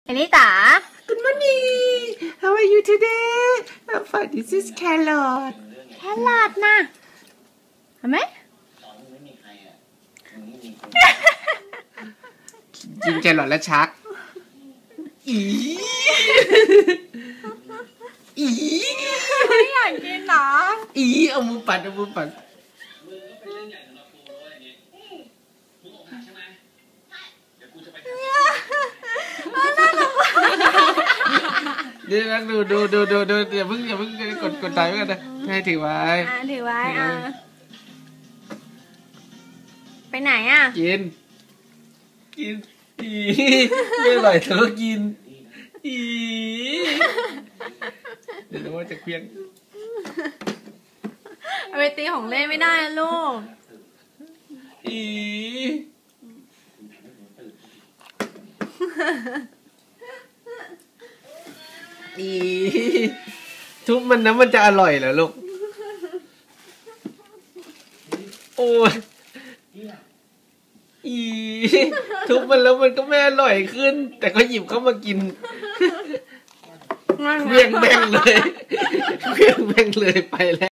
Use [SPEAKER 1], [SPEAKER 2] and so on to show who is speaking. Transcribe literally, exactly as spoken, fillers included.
[SPEAKER 1] เอลิตา
[SPEAKER 2] Good morning. How are you today? I'm fine. This is carrot.
[SPEAKER 1] แครอทนะเห็นไหม
[SPEAKER 2] กินแครอทแล้วชักอีอี
[SPEAKER 1] ไม่อยากกินหรอ
[SPEAKER 2] อีเอามือปัดเอามือปัดเดี๋ยวนะดูดูดูดูดูอย่าเพิ่งอย่าเพิ่งกดกดไลค์ไว้กันนะให้ถือไว้
[SPEAKER 1] อ่ะถือไว้อ่ะไปไหนอ่ะ
[SPEAKER 2] กินกินอีไม่อร่อยเธอก็กินอีเดี๋ยวว่าจะเคลี้ยง
[SPEAKER 1] เอาไปตีของเล่นไม่ได้นะลูก
[SPEAKER 2] อีอีทุบมันนะมันจะอร่อยเหรอลูกโอ้ยอีทุบมันแล้วมันก็ไม่อร่อยขึ้นแต่ก็หยิบเข้ามากินเวียงแบงเลยเวียงแบงเลยไปแล้ว